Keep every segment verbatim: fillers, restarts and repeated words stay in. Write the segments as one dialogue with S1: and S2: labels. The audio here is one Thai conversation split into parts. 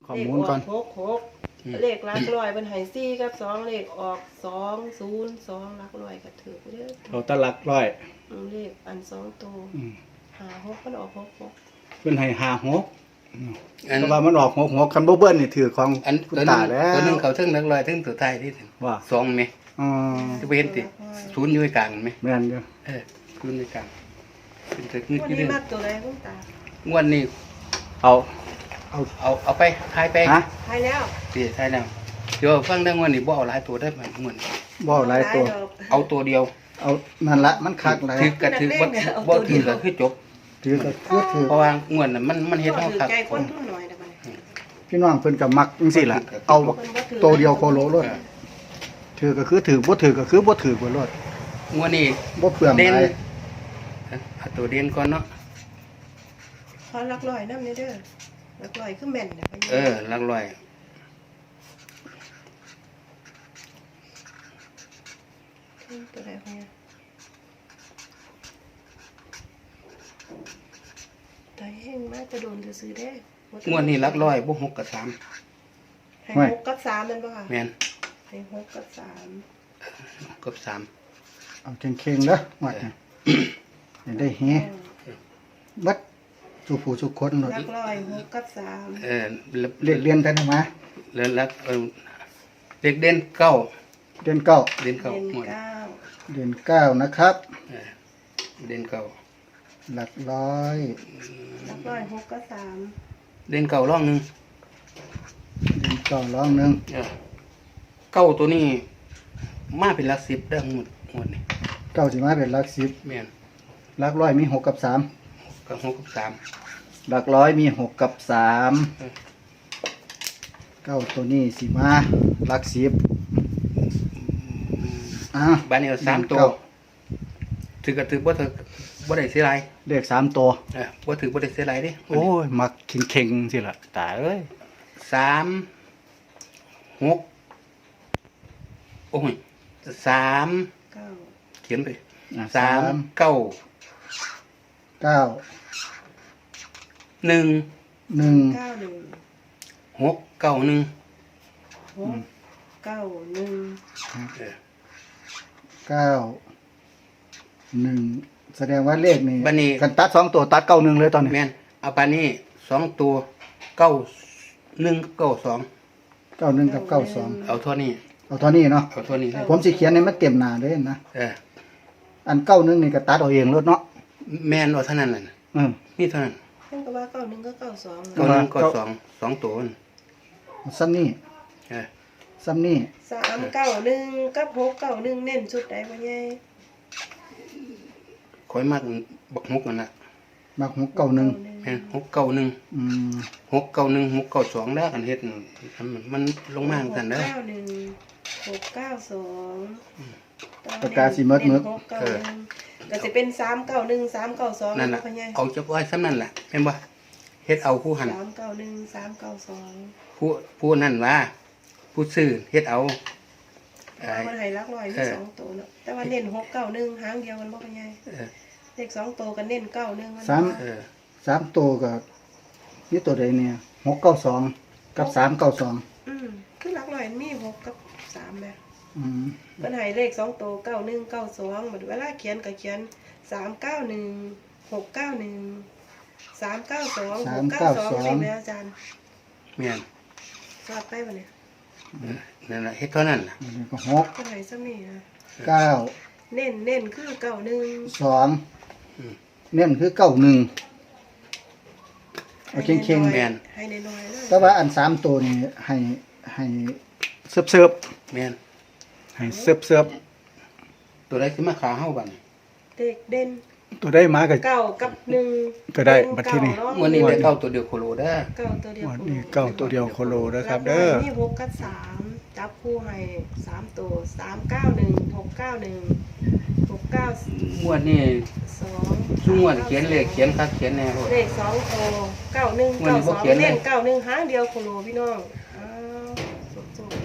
S1: ข้อมูลก่อน
S2: เลขออกหกหกเลขหลักร้อยเป็นไห้ซี่กับสองเลขออกสองศูนย์สองหลักร้อยก็ถือเด้อ
S1: เขาตะลักร้อย
S2: อืมเลขอันสองตัว
S1: อืม
S2: หาหกมันออกหกหก
S1: เพิ่นให้ห้าหก
S3: อัน
S1: แต่ว่ามันออกหกหกคันบ่เบิ้ลนี่ถือของ
S3: อัน
S1: คุณ
S3: ตัวหนึ
S1: ตาง แล้ว
S3: ตัวหนึงเขาถึงนักลอยถึงตัวท้ายที่ถึง
S1: ว่า
S3: สองไหม
S1: อ๋อ
S3: จะไปเห็นติศูนย์อยู่กลางไหม
S1: แม่นอยู่
S3: เออศูนย์อยู่กลางเป็นตึกนึก
S2: วัน
S3: อยู่
S2: นี้
S3: เด้
S2: มากตัวใดคุณตาง
S3: วดนี้
S1: เอา
S3: เอาเอาเอาไปทายไป
S1: ฮะ
S2: ทายแล้ว
S3: สิทายแล้วเดี๋ยวฟังได้งวดนี้บ่เอาหลายตัวได้มันงวดนี้
S1: บ่หลายตัว
S3: เอาตัวเดียว
S1: เอานั่นละมันคักหลาย
S3: ถือกระถือบ่บ่ถือก็คือจบ
S1: ถือก็คือถือ
S3: เพราะว่างวดน่ะมันมันเฮ็ด
S2: ก็
S3: เฮา
S2: ถือ
S3: คัก
S2: ใจคนทุนหน่อยเด้อบัดนี้
S1: พี่น้องเพิ่นก็มักจังซี่ล่ะเอาตัวเดียวโคโลรถถือก็คือถือบ่ถือก็คือบ่ถือบ่รถ
S3: งวดนี้
S1: บ่เปลือง
S3: เด่น
S1: หลาย
S3: เอาตัวเด่นก่อนเนาะ
S2: ขอหลักร้อยนำเด้อหลักร้อยคือแม่นเด้อไป
S3: เออหลักร้อย
S2: ตัวใดของเนี่ยตายแห้งมากจะโดนจะซื้อได้
S3: งวดนี้หลักร้อยบ่หกกับสาม
S2: ให้หกกับสามนั่นป่ะค่ะ
S3: แม่น
S2: ให้หกกับสาม
S3: กับสาม
S1: เอาเข่งๆเด้อวัดนี่ให้ได้เฮบัดสุผู้สุคนรถ
S2: หลักร้อยหกกับสาม
S3: เออแล้ว
S1: เรียกเรียนกันมา
S3: แล้วหลักเออเด็กเด่นเก้า
S1: เดือนเก้า
S3: เด่นเก้า
S2: เป็น
S3: หมด
S2: เก้า
S1: เดือนเก้านะครับ
S3: เออเด่นเก้า
S1: หลักร้อย
S2: หลักร้อยหกกับสาม
S3: เด่นเก้าร่องหนึง
S1: เดือนเก้าร้องหนึง
S3: เออเก้าตัวนี้มาเป็นหลักสิบได้หมดหมดนี่
S1: เก้าสิมาเป็นหลักสิบ
S3: แม่น
S1: หลักร้อยมีหกกับสาม
S3: กับหกกับสาม
S1: หลักร้อยมีหกกับสาม
S3: เออ
S1: เก้าตัวนี้สิมาหลักสิบอ่ะ
S3: บ้านนี้เอาสามตัว
S1: เก้
S3: ถือก็ถือบ่ถือบ่ได้เสียหลาย
S1: เลขสามตัว
S3: เออบ่ถือบ่ได้เสียหลายเดิ
S1: โอ้ย มักเข่งๆสิล่ะตายเอ้ย
S3: สามหกโอ้ยสาม
S2: เก้า
S3: เขียนไป
S1: อ่ะ
S3: สามเก้า
S1: เก้า
S3: หนึ่ง
S1: หนึ่ง
S2: เก้าหนึ่ง
S3: หกเก้าหนึ่ง
S2: หกเก้าหนึ่ง
S3: เออ
S1: เก้าหนึ่งแสดงว่าเลขนี่
S3: บัดนี้
S1: กันตัดสองตัวตัดเก้าหนึ่งเลยตอนนี้
S3: แม่นเอาปานนี้สองตัวเก้าหนึ่งเก้าสอง
S1: เก้าหนึ่งกับเก้าสอง
S3: เอาเท่านี้
S1: เอาเท่านี้เนาะ
S3: เอาเท่านี้เลย
S1: ผมสิเขียนในมันเต็มหน้าเลยนะ
S3: เออ
S1: อันเก้าหนึ่งนี่ก็ตัดเอาเองรถเนาะ
S3: แม่นเอาเท่านั้นแหละ
S1: อืม
S3: นี่เท่านั้น
S2: เพิ่นก็ว่าเก้าหนึ่งก็เก้าสอง
S3: เก้าหนึ่งเก้าสองสองตัวนั่น
S1: ซ้ำนี่
S3: เออ
S1: ซ้ำนี่
S2: สามเก้าหนึ่งกับหกเก้าหนึ่งเน้นชุดใดบ่ใหญ่
S3: คอยมากบักหกนั่นน่ะ
S1: มักหกเก้าหนึ่ง
S3: แม่นหกเก้าหนึ่ง
S1: อืม
S3: หกเก้าหนึ่งหกเก้าสองแล้วกันเฮ็ดมันมันลงมาจังซั่นเด้อ
S2: หกเก้าหนึ่งหกเก้าสอง
S1: ประกาศสิเมิดเมิด
S2: หกเก้าหนึ่งก็จะเป็นสามเก้าหนึ่งสามเก้าสอง
S3: นั่นน่ะ
S2: พ่อใหญ่
S3: เอาจักไว้ซ้ำนั่นแหละแม่นบ่เฮ็ดเอาผู้หัน
S2: สามเก้าหนึ่งสามเก้าสอง
S3: ผู้ผู้นั่นว่าผู้ซื้อเฮ็ดเอาเอ่อ
S2: มันให้รักร้อยมี
S3: เออ
S2: สองตัวเนาะแต่ว่าเน้นหกเก้าหนึ่งหางเดียวกันบ่พ่อใหญ่
S3: เออ
S2: เลขสองตัวก็เน้นเก้าหนึ่ง
S1: สาม
S3: เออ
S1: สามตัวกับนี่ตัวใดเนี่ยหกเก้าสองกับสามเก้าสอง
S2: อืมคือรักร้อยมีหกกับสามแม่
S1: อืม
S2: มันให้เลขสองตัวเก้าหนึ่งเก้าสองบัดเวลาเขียนก็เขียนสามเก้าหนึ่งหกเก้าหนึ่งสามเก้าสองหกเก้าสองนี่แม่อาจารย์
S3: แม่น
S2: สอดไปบ่เนี่ย
S3: เออนั่นล่ะเฮ็ดเท่านั้นล่ะ
S1: อันนี้ก็หก
S2: ก็ให้ซ้ำนี่นะ
S1: เก้า
S2: เน้นเน้นคือเก้าหนึ่ง
S1: สองเน่นคือเก้าหนึ่งเอาเข่งๆ
S3: แม่น
S2: ให้น้อยๆเลย
S1: แต่ว่าอันสามตัวนี่ให้ให้เสิร์ฟเสิร์ฟ
S3: แม่น
S1: ให้เสิร์ฟเสิร์ฟ
S3: ตัวใดสิมาขาเฮาบัดนี้
S2: เด็กเด่น
S1: ตัวได้มากับ
S2: เก้ากับหนึ่ง
S1: ก็ได้บัดที่นี่
S3: มื้อนี้ได้เก้าตัวเดียวโคโลเด้อ
S2: เก้าตัวเดียว
S1: วันนี้เก้าตัวเดียวโคโลนะครับเด้อ
S2: นี่หกกับสามจับคู่ให้สามตัวสามเก้าหนึ่งหกเก้าหนึ่งหกเก้าง
S3: วดนี้
S2: สอง
S3: ซุงวดเขียนเลขเขียนคักเขียนแน่โพด
S2: เลขสองตัวเก้าหนึ่ง
S3: วัน
S2: เก้า
S3: นี้
S2: ส
S3: บ่
S2: อง
S3: เขียนเลย
S2: เล่นเก้าหนึ่งหางเดียวโคโลพี่น้องอ้าวสุด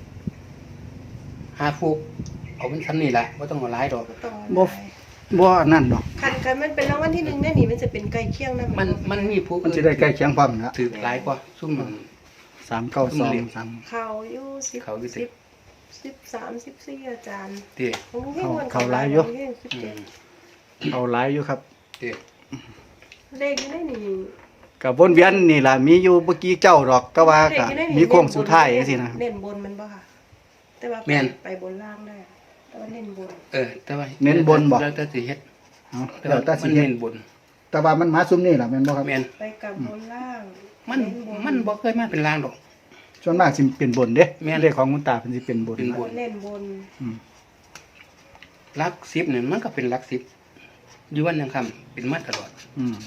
S3: หาฟูกเอาเป็นซ้ำนี่ล่ะบ่ต้องเอาหลายดอก
S2: ๆต่อ
S1: บ่บ่นั่นดอก
S2: คันกันมันเป็นรางวัลที่หนึ่งแน่นี่มันจะเป็นใกล้เคียงนะ
S3: มันมันมีผู้
S1: มันจะได้ใกล้เคียงความนะ
S3: ถือหลายกว่าซุ่มมัน
S1: สามเก้าสองสาม
S2: เขาอยู่สิบ
S3: เขาอยู่สิ
S2: สิบสิบสามสิบสี่อาจารย์
S3: เตี้ย
S2: ของลุงเฮงวัน
S1: เขาหลายอยู่
S2: ของลุงเฮงสิบ
S3: อื
S2: เจ็ด
S3: ม
S1: เอาหลายอยู่ครับ
S3: เตี้ย
S2: เลขอยู่ในนี่
S1: กับวนเวียนนี่ล่ะมีอยู่เมื่อกี้เจ้าดอกแต่ว่า
S2: เลข
S1: ก็
S2: อยู่ในนี่
S1: มีโค้งสุดท้ายจังซี่นะ
S2: เน้นบนมันบ่ค่ะ แต่ว่าไปไปบนล่างได้แต่ว่าเน้นบน
S3: เออแต่ว่า
S1: เน้นบนบ่
S3: แล้วแต่สิเฮ็ด
S1: เอา
S3: แต่
S1: แล้
S3: ว่าว
S1: แต่สิ
S3: มัน
S1: เฮ็ด
S3: เน้นบน
S1: แต่ว่ามันมาซุมนี่ล่ะแม่นบ่ครับ
S3: แม่น
S2: ไปกับบนล่าง
S3: มัน
S2: เบ
S3: มันบ่เคยมาเป็นลางดอก
S1: ส่วนมากสิเป็นบนเด้
S3: แม่น
S1: เลขของคุณตาเพิ่นสิเป็นบน
S3: เป็นบ
S2: เน้นบน
S1: อืม
S3: หลักสิบเนี่ยมันก็เป็นหลักสิบอยู่วันยังคำเป็นมาตลอด
S1: อืม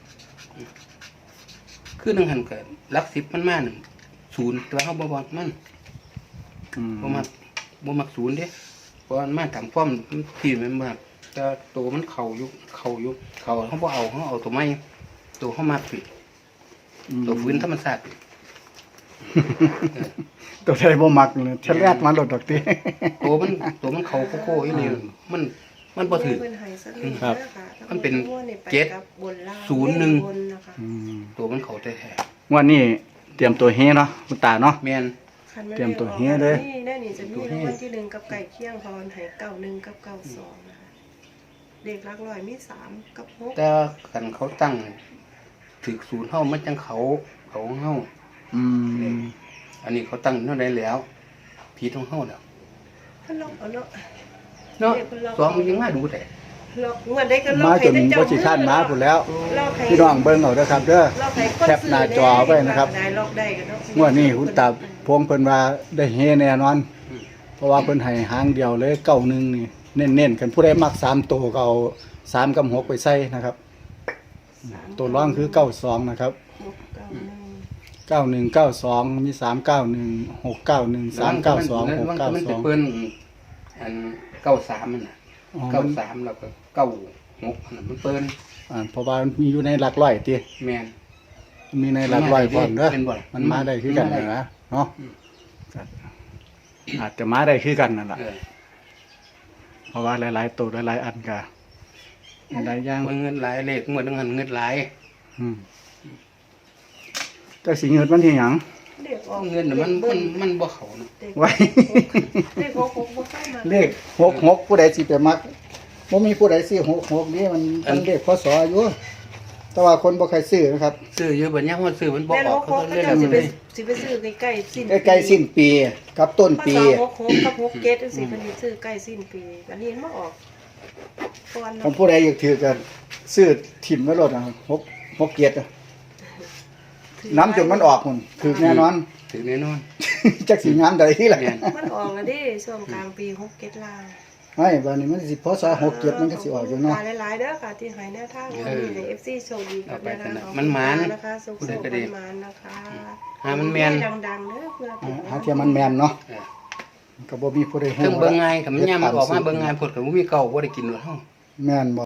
S3: คือหนึงหันเกิดหลักสิบมันมาหนึ่งศูนย์แต่ว่าเฮาบ่บอกมัน
S1: อืม
S3: บ่มักบ่มักศูนย์เด้เพราะมันมาตามความที่มันมากแต่ตัวมันเข้าอยู่เข้าอยู่เข้าเฮาบ่เอาเฮาเอาตัวใหม่ตัวเฮามักผิดตัวฟื้นธรรมชาติ
S1: ตัวใดบ่มักเลยทะเลาะมาโลดดอกติ
S3: ตัวมันตัวมันเข้าโค้ๆอีหลีมันมันบ่ถือ
S2: เพิ่นให้สักนิด
S1: ครับ
S2: นะคะ
S3: มันเป็น
S2: ทั้งหมดไป
S3: เจ็ด
S2: กับบนล่าง
S3: ศูนย์หนึ่ง
S2: บนนะคะ
S1: อืม
S3: ตัวมันเข้าแท้
S1: งวันนี้เตรียมตัวเฮเนาะคุณตาเนาะ
S3: ๆแม่น
S2: คันน
S1: เตรียมตัวเฮ้เลย
S2: นี่แน่นี่จะมีรางวัลที่หนึ่งกับไก่เคี่ยงพรให้เก้าหนึ่งกับเก้าสองนะคะเด็กรักร้อยมีสามกับหก
S3: แต่คันเขาตั้งถึกศูนย์เฮามันจังเขาเขาของเฮา
S1: อืม
S3: อันนี้เขาตั้งเท่าใดแล้วผิดของเฮาแล้ว
S2: เพิ่นล็อกเอาเนาะ
S3: เนาะ
S2: เด็กเพิ่นล็อก
S3: สองมันยังมาดูแต่
S2: ล็อกงวดได้ก็ล็อก
S1: มา
S2: ให้
S1: จน
S2: แต่เจ้า
S1: บ่สิคร้านมาพุ่นแล้ว
S2: ล็อกให้
S1: พี่น้องเบิ่งเอาเด้อครับเด้อ
S2: ล็อกให้คน
S1: แคปหน้าจอไว้นะครับ
S2: ได้ล็อกได้ก็เนาะ
S1: งวดนี้คุณตาพวงเพิ่นว่าได้เฮแน่นอน เพราะว่าเพิ่นให้หางเดียวเลยเก้าหนึ่งนี่เน้นๆกันผู้ใดมักสามตัวก็เอาสามกับหกไปใส่นะครับ ตัวร่องคือเก้าสองนะครับ
S2: หกเก้าหนึ่ง
S1: เก้าหนึ่งเก้าสองมีสามเก้าหนึ่งหกเก้าหนึ่งสามเก้าสองหกเก้า
S3: มัน
S1: ส
S3: จะ
S1: อง
S3: เปิ้นอันเก้าสามมันน่ะ
S1: อ๋อ
S3: เก้าสามแล้วก็เก้าหกอันนั้นมันเปิ้น
S1: อ่าเพราะว่ามันมีอยู่ในหลักร้อยติ
S3: แม่น
S1: มีในหลักร้อยพร้อมเด้อ
S3: เป็นบ่
S1: มันมาได้คือกัน
S3: มาได้
S1: นะเนาะครับอาจจะมาได้คือกันนั่นแหละ
S3: เออ
S1: เพราะว่าหลายๆตัวหลายๆอันก็หลายอย่าง
S3: มันเงินหลายเลขหมดเงินเงินหลาย
S1: อืมแต่สิเงินมันที่หยัง
S2: เด็กออก
S3: เงินน่ะมันมันมันบ่เข้าเนาะ
S2: เด็ก
S1: ไว้
S2: เด็กหกหกบ่เข้ามา
S1: เลขหกหกผู้ใดสิไปมักบ่มีผู้ใดซื้อหกหกนี่มันมันเลขพศอยู่แต่ว่าคนบ่ใครซื้อนะครับ
S3: ซื้ออยู่บัดเนี้ยมันซื้อมันบ่
S2: แม่น
S3: อ
S2: ห
S3: อก
S2: กห
S3: เขา
S2: ก
S3: ก็
S2: เขา
S3: เล่น
S2: เจ้าสิ
S3: มัน
S2: ไป
S3: เลย
S2: สิไปซื้อใกล้ๆสิ้น
S1: ใกล้ๆสิ้นปีกับต้นปี
S2: พศหกหกกับหกเจ็ดจังซี่เพิ่นสิซื้อใกล้สิ้นปีอันนี้มันบ่ออกก่อน
S1: คัน
S2: เนาะ
S1: ผู้ใดอยากถือก็ซื้อถิ่มไว้โลดนะหกหกเกียรติอะน้ำจนมันออกพุ่นถือแน่นอน
S3: ถือแน่นอน
S1: จักสิงามใดที่ล่ะ
S3: แม่น
S2: มันออกแล้วเด้ช่วงกลางปีหกเจ็ดลาง
S1: ไม่บัดนี้มันสิพศหกเกียรติมันก็สิออกอยู่เนาะ
S2: ขหลายๆเด้อค่ะที่ให้แนวทางวันนี้ให้ เอฟ ซี โชคดีกับแนวทางของ
S3: มันหมาน
S2: นะคะสุข
S3: ผู้
S2: ๆ
S3: ใดก็ดี
S2: มันๆนะคะ
S3: หามันแม่น
S2: ดังๆเด้อเพื่อเป็น
S1: หาเทียมมันแม่นเนาะ
S3: เออ
S1: ก็บ่มีผู้ใดฮู้
S3: เครื่องเบิ่งง่ายถ้ามันยามมันออกมาเบิ่งง่ายพดก็บ่มีเก่าบ่ได้กินหรอกเฮา
S1: แม่นบ่